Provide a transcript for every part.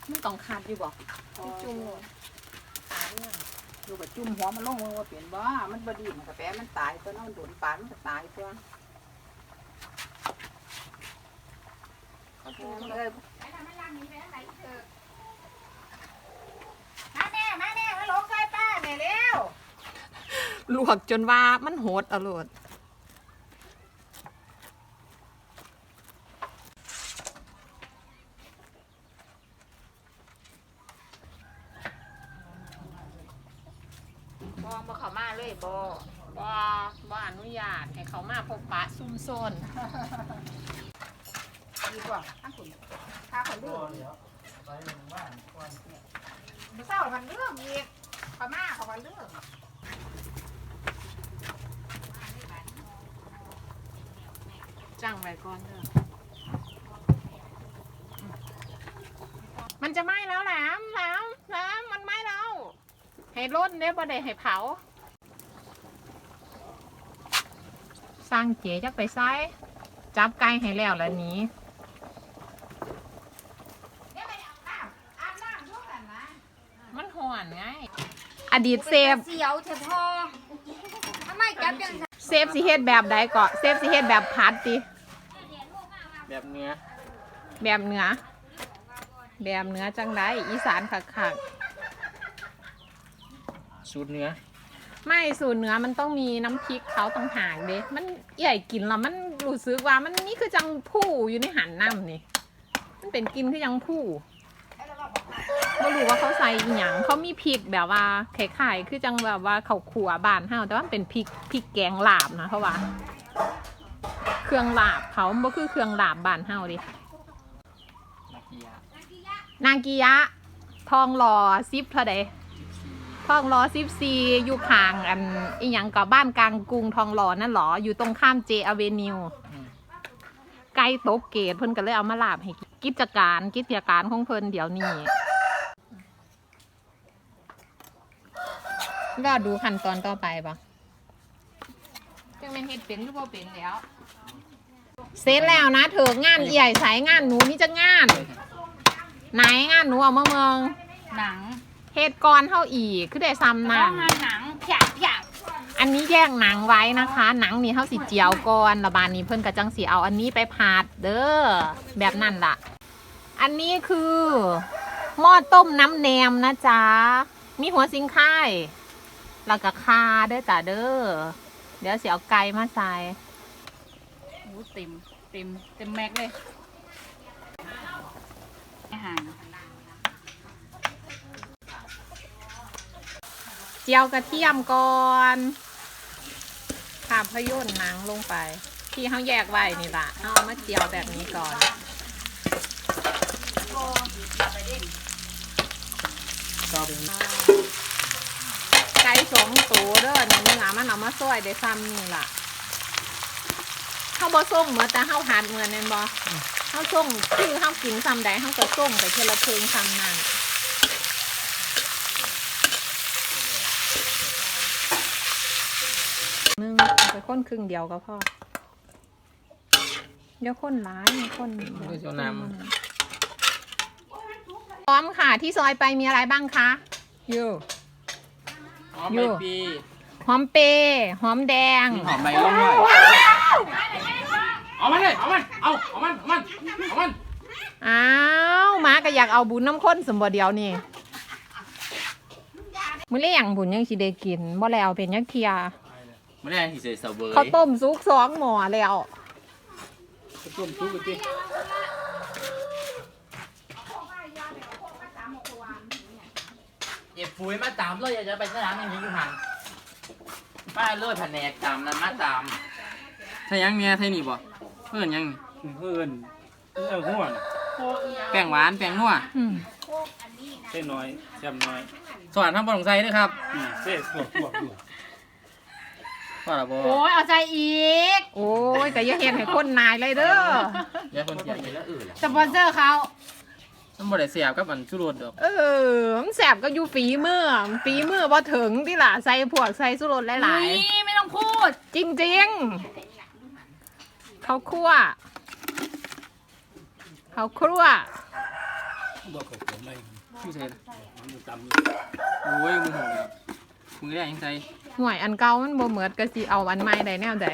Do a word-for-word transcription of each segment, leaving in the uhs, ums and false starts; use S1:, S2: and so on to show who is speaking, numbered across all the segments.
S1: มันต้องขาดอยู่บ่จุ่มตายเนี่ยอยู่กับจุ่มหัวมันลงว่าเปลี่ยนบ่มันบดีมันกาแฟมันตายตัวน้องโดนปานมันก็ตายตัวเลยมาแม่มาแม่มาลงใส่ป้าแม่เร็วลวกจนว่ามันโหดอร่อยบอเขามาเลยบอบอบออนุญาตให้เขามาพบปะซุ่มโซนดีกว่าข้างขุนข้าคนเรื่องมาเศร้าพันเรื่องอีกเขามาเขาพันเรื่องจ้างไว้ก่อนเถอะมันจะไหม้แล้วแหลมแหลมแหลมมันไหม้แล้วให้ร่นเนี่ยบ่ได้ให้เผาสร้างเจ๋จักไปซ้ายจับไก่ให้แล้วแล้วนี้มันห่อนไงอดีตเซฟ
S2: เสียวเฉพาะทำไมจับจัง
S1: เซฟสิเฮ็ดแบบใดก็เซฟสิเฮ็ดแบบพัดติ
S3: แบบเนื้อ
S1: แบบเนื้อแบบเนื้อจังไดอีสานคัก
S3: ๆสูตรเนื้อ
S1: ไม่สูตรเนื้อมันต้องมีน้ำพริกเขาต้องหางเด้มันใหญ่กินแล้วมันรู้สึกว่ามันนี่คือจังผู้อยู่ในหันน้ำนี่มันเป็นกินคือจังผู้ไม่รู้ว่าเขาใส่หยังเขามีพริกแบบว่าไข่ไข่คือจังแบบว่าเขาขัวบานเฮาแต่ว่าเป็นพริกพริกแกงลาบนะเพราะว่าเครื่องลาบเขาบ่คือเครื่องลาบบานเฮาดินางกิยะทองหล่อซิปเท่าใดทองหล่อซิปซีอยู่ข้างอันอีหยังกับบ้านกลางกรุงทองหล่อนั่นหรออยู่ตรงข้ามเจอเวนิวไก่โตเกตเพิ่นก็เลยเอามาลาบให้กิจการกิจการของเพิ่นเดี๋ยวนี้รอดูขั้นตอนต่อไปปะจังแม่นเฮ็ดเป็นหรือบ่เป็นแล้วเสร็จแล้วนะเถอะงานใหญ่สายงานหนูนี่จะงานไหนงานหนูเอามาเมือง
S2: หนัง
S1: เฮ็ดก่อนเท่าอีกคือได้ซ้ำหนัง
S2: หนังผยาผยา
S1: อันนี้แยกหนังไว้นะคะหนังนี่เท่าสิเจียวก่อนระบานนี้เพิ่นกระจังสีเอาอันนี้ไปผัดเด้อแบบนั่นล่ะอันนี้คือหม้อต้มน้ำแหนมนะจ๊ะมีหัวซิงค่ายแล้วก็คาเด้อจ้ะเด้อเดี๋ยวสิเอาไก่มาใส่
S2: โอ้เต็มเต็มเต็มแม็กเลยอาหาร
S1: เจียวกระเทียมก่อนภาพยนตร์หนังลงไปที่เขาแยกไว้นี่ล่ะเอามาเจียวแบบนี้ก่อนไก่สองตัวเด้อเนี่ยเนื้อมันเอามาซอยได้ซ้ำนี่ล่ะเขาบ่ส่งเหมือนแต่เขาหัดเหมือนนั่นบ่เขาส่งคือเขากินซ้ำใดเขาก็ส่งไปเทละเพิงซ้ำนั่นนึงไปค้นครึ่งเดียวก็พอเดี๋ยวค้นร้ายค้นพร้อมค่ะที่ซอยไปมีอะไรบ้างคะยู
S3: หอมใบปี
S1: หอมเปหอมแดง
S3: หอมใบลงหน่อยเอามันเลยเอามันเอาเอามันเอามันเอามัน
S1: อ้าวมาก็อยากเอาบุญน้ำข้นสมบูรณ์เดียวนี่มื้อเลี้ยงบุญยังสิได้กินบ่แล้วเป็นยังเทีย
S3: ไม่ได้ที่ใส่เสาเบอร์
S1: เขาต้มซุกสองหม้อแล้ว
S3: ต้มซุกกันดิเก็บปุ๋ยมาตามเลยอยากจะไปสนามอย่างนี้อยู่หันป้าเลื่อยแผนกตามนั้นมาตามใช่ยังเนี่ยใช่นี่บ่เพื่อนยัง
S4: เพื่อนเออหัว
S3: แป้งหวานแป้งนัว
S4: เส้นน้อยแซ่บน้อย
S3: สวัสดีครับบอลงไซด้วยครับ
S4: เส้นปวดปวดอยู่
S3: ว่าละบ่
S2: โอ้ยเอาใจอีก
S1: โอ้ยแต่ยังเห็นให้คนนายเลยเด้อ
S3: เดี๋ยวคนเสียไปแล้วอื่น
S2: สปอนเซอร์เขา
S3: มันบ่ได้เสียบกับอันสุรสดอก
S1: เออมันแสบก็อยู่ฝีมือฝีมือบ่ถึงที่ล่ะใส่พวกใส่สุรสหลาย
S2: ๆนี่ไม่ต้องพูด
S1: จริงๆเขาคั่วเขาคั่ว
S4: บอกเขาเขียนไม่
S3: ชื่อใส่ละ
S4: มันจำ
S3: โอ้ยมึงหงแล้วมึงได้ยังใส่
S1: ห่วยอันเก่ามันบ่เหมือนก็สิเอาอันใหม่ได้แนวใด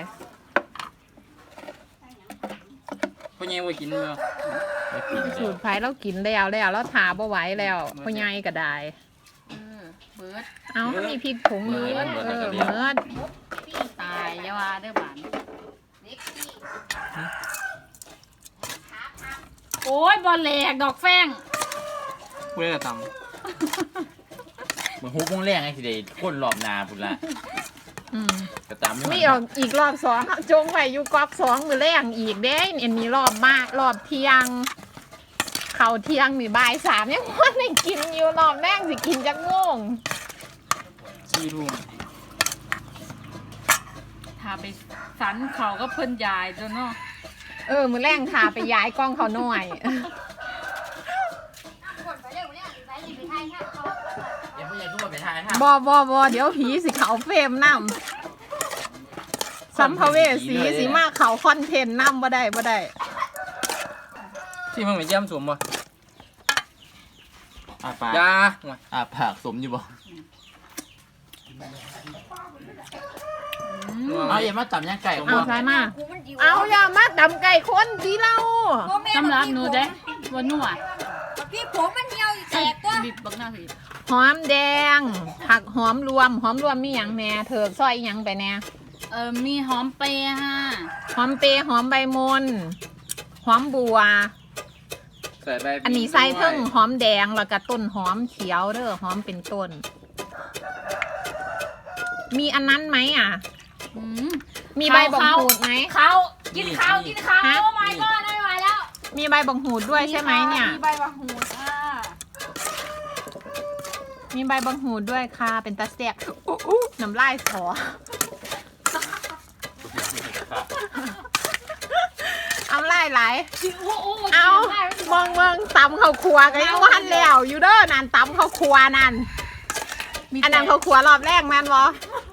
S3: พ่อใหญ่ว่ากินเนาะ
S1: สูตรไผเรากินแล้วแล้วเราทาบ่ไหวแล้วพ่อใหญ่ก็ได้
S2: เออเบิด
S1: เอามีพริกผงอยู่เออเหมือน
S2: ตายอยาว่าเด้อบานโอ้ยบอลแหลกดอกแฟง
S3: กูได้กระต
S5: เหมือนฮุกวงแรงไอ้สิเดก้นรอบนาพุ่นละ
S1: อืม
S5: กระตามไม่
S1: มีออกอีกรอบสองจงไว้อยู่ก๊อกสองมือแรงอีกเด้อันนี้รอบมากรอบเที่ยง เขาเที่ยงนี่บ่ายสามยังว่าได้กินอยู่รอบแรกสิกินจักโมง
S3: ำสี่ทุ่ม
S2: ถ้าไปสันเขาก็เพิ่นยายตัวเนาะ
S1: เออมือแรงทาไปย้ายกล้องเขาหน่อย
S5: เดี๋ยวผู้ใหญ่ทุกคนไปทายค่ะ
S1: บอบอบอเดี๋ยวผีสิเขาเฟรมนำสัมภเวสีสิมาเขาคอนเทนต์นำบ่ได้บ่ได้
S3: ที่มึงไปเยี่ยมสวมบ่
S5: อาปาก
S3: ยาห่วย
S5: อาปากสมอยู่บ่ เอาอย่ามาจับย่างไก่
S1: เอาใช่มาเอาอย่ามาดำไก่คนดีเรา
S2: สำหรับหนูเด้วันนัว
S6: พี่ผมมันเหี่ยวแตกตัว
S2: บิบบักหน้าสิ
S1: หอมแดง ผักหอมรวม หอมรวมมีหยังแหน่เถิกซอยหยังไปแหน่
S2: เออมีหอมเปรย์ฮะ
S1: หอมเปรย์หอมใบมนหอมบัว
S3: ใส่ใบ
S1: อันนี้ใส่เพิ่งหอมแดงแล้วก็ต้นหอมเขียวเด้อหอมเป็นต้น มีอันนั้นไหมอ่ะ
S2: อืม
S1: มีใบบังหูดไหม
S2: เขากินข้าวกินข้าว
S1: ฮะ
S2: โอ้ my god ได้มาแล้ว
S1: มีใบบังหูดด้วยใช่ไหมเนี่ย
S2: มีใบมะหูดอ่ะ
S1: มีใบบังหูดด้วยค่ะ เป็นตาแซ่บอุ๊อุ๊น้ำลายสอเอาไล่ไหล
S2: โอ้โห
S1: เอามองเมืองตำข้าวครัวกันยังวันแล้วอยู่เด้อนั่นตำข้าวครัวนั่นอันนั้นข้าวครัวรอบแรกแม่นบ่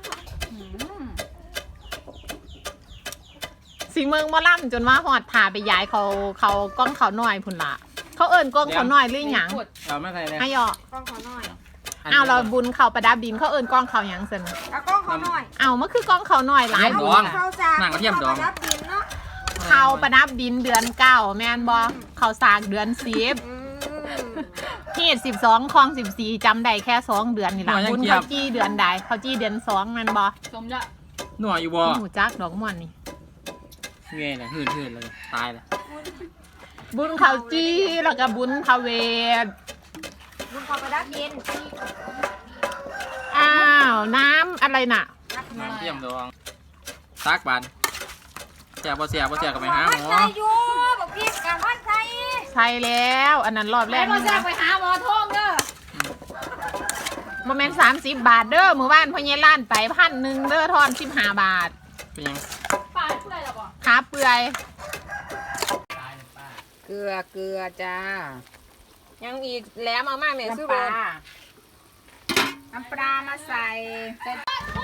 S1: สีเมืองมอล่ำจนว่าหอดถ่าไปย้ายเขาเขากล้องเขาหน่อยพุ่นละเขาเอิญกล้องเขาหน่อยหรือหยัง
S3: เอาไม่ใส่เลย
S1: ไอ้ยอก
S6: ล้องเขาหน่อย
S1: เอาเราบุญเขาประดับดินเขาเอิญกล้องเขาหยังสิน
S6: เอากล้องเขาหน่อย
S1: เอามันคือกล้องเขาหน่อยหลาย
S3: ด
S1: บุ
S3: อง
S1: ญ
S6: เขาจาก
S3: หนังกระเทียมดอง
S6: รับดินเนาะ
S1: เขาประดับดินเดือนเก้าแม่นบอเขาสากเดือนสิบ
S6: อืม
S1: ที่สิบสองคลองสิบสี่จำได้แค่สองเดือนนี่แหละบุญเขาจี้เดือนใดเขาจี้เดือนสองแม่นบอ
S2: สมละ
S3: หน่วยอยู่บ่
S1: หมูจักดอกม่วนนี่
S3: เงี้ยเลยหืดหืดเลยตายเลย
S1: บุญเขาจี้แล้วก็บุญเขาเวท
S6: บุญเขาไปรับดิน
S1: อ้าวน้ำอะไรน่ะ
S3: น้ำเทียมดองตักบานเสียบ่เสียบ่เสียก็ไปหาหมอ
S6: ใส่อยู่บอกพี่กับพันใส่
S1: ใช่แล้วอันนั้นรอบแร
S2: แล้
S1: ก
S2: วมา
S1: นี่
S2: แซ่
S1: นะ
S2: ไปหาหมอทองเด้อ
S1: โมเมนต์สามสิบบาทเด้อมือบ้านพ่อเยล้านไปพันหนึ่งเด้อทอนสิบห้าบาท
S3: เป็นยัง
S2: ป้าเพื่อนหรอปะ
S1: ขาเปื่อย
S7: เกลือเกลือจ้า
S1: ยังอีกแหล้วเอามากเนี่ยซื้อ
S7: น้ำป
S1: โบ
S7: ลาน้ำปลามาใส่เสร็จ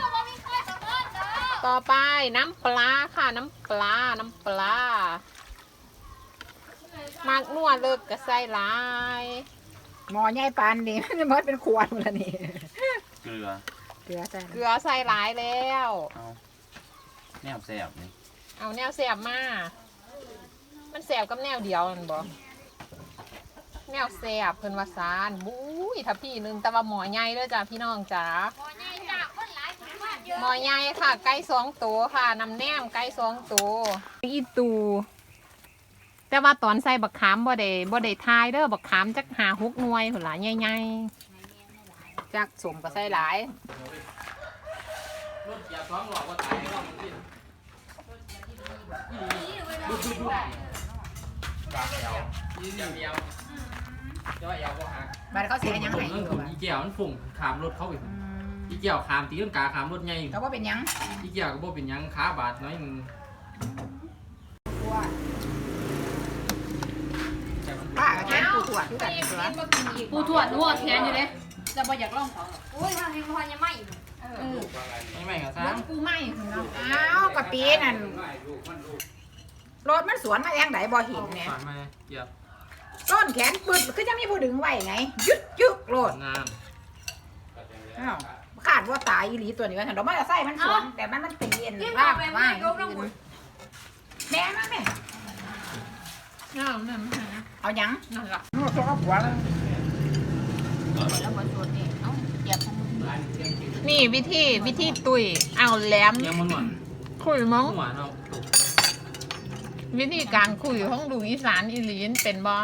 S1: ต่อไปน้ำปลาค่ะน้ำปลาน้ำปลา มากนัวเลิกกระใส่หลาย
S7: หมอใหญ่ปานนี่ มันจะมดเป็นขวดหมดแล้วนี่
S5: เกลือ
S7: เกลือใส่
S1: เกลือใส่หลายแล้ว
S5: เอาแนวแสบนี่
S1: เอาแนวแสบมามันแสบกับแนวเดียวนั่นบ่แนวแสบเพิ่นว่าซานบุ้ยถ้าพี่หนึงแต่ว่าหมอใหญ่เด้อจ้าพี่น้องจ๋า หมอใหญ่ค่ะ ไก่สองตัวค่ะน้ำแนมไก่สองตัวอีตูแต่ว่าตอนใส่บักขามบ่ได้บ่ได้ทายเด้อบักขามจักหาหกหน่วยหุ่นหลายใหญ่ๆจักสมก็ใส่หลาย
S3: รถเกียร์สองหลอกว่าตายก็มันกินปากแอวยืนเดียวจะว่าแอวก็หัก
S7: บัดเขาเสียยังไง
S3: เรื่องของอีเกี่ยวมันฝุ่งขามรถเขาอีกอีเกี่ยวขามตีลังกาขามรถใหญ่
S7: เขาว่าเป็นยัง
S3: อีเกี่ยวก็บ่เป็นหยังขาบาดน้อยหนึง
S7: ป้ากับแค่ปูถั่วคือกันเกลือ
S2: ปูทวดนัวแทนอยู่เลยจะบ่อยากลองเขา
S6: อุ้ยทางนี้พอยังไม่อีก
S3: ไม่ไม่ก็
S1: เลี้ย
S3: ซ้ำ
S1: งปูไหมคุณเนาะ
S7: อ้าวกะปีนั่นรถมันสวนมาแองไหนบ่เห็นเนี่ย
S3: ผ่านมาเกี่ยว
S7: ซ่อนแขนปึดคือจะมีผู้ดึงไว้ไงยึดยึกโลด
S3: งาม
S7: อ้าวขาดว่าตายอีหลีตัวนี้ว่าฉันดอกไม้ละไส้มันสวนแต่มันมันตีเย็น
S6: ยิ่ง
S7: ลา
S6: เอา
S7: บ
S6: ไป
S7: ว่า
S6: ไม่ยกน้ำหมุน
S7: แม่มาแม่
S1: งามนั่น
S7: เอาหยัง
S1: นั่นละ
S7: นวดตัวกับหัวเลย
S2: แล้วบนส่วนนี้เอ้าเหยียบของมึง
S1: นี่วิธีวิธีตุยเอาแหลม
S3: ยังมันหวาน
S1: คุยมั้ง
S3: หวานเอา
S1: วิธีการคุยของลูกอีสานอีหลีนเป็นบ่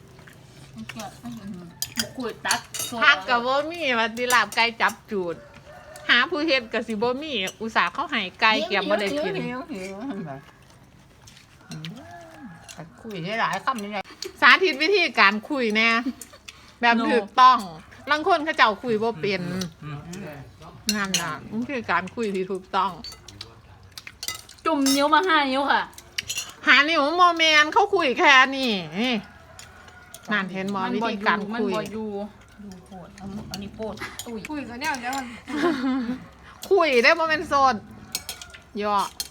S2: บุกคุยตัดโซ่
S1: พักกับบ่มีว่าสิลาบไก่จับจูด หาผู้เฮ็ดก็สิบ่มีอุตส่าห์เขาให้ไก่เก็บบ่ได้กิน
S7: หิวหิวหิวอืมคุยได้หลายคำนี่ไง
S1: สาธิตวิธีการคุยแน่แบบถูกต้องบางคนเขาเจ้าคุยบ่เป็น
S3: อืม
S1: นั่นน่ะมันคือการคุยที่ถูกต้อง
S2: จุ่มนิ้วมาห้านิ้วค่ะ
S1: หานิ้วโมเมนเขาคุยแค่นี้นี่นั่นเห็นบ่วิธีการ
S2: มัน
S1: คุย
S2: บ่อยู่ดูโพดเอาอันนี้โพดตุ้ย
S6: คุยกันเนี่ยเดี๋ยวมัน
S1: คุยได้โมเมนโซนย่อ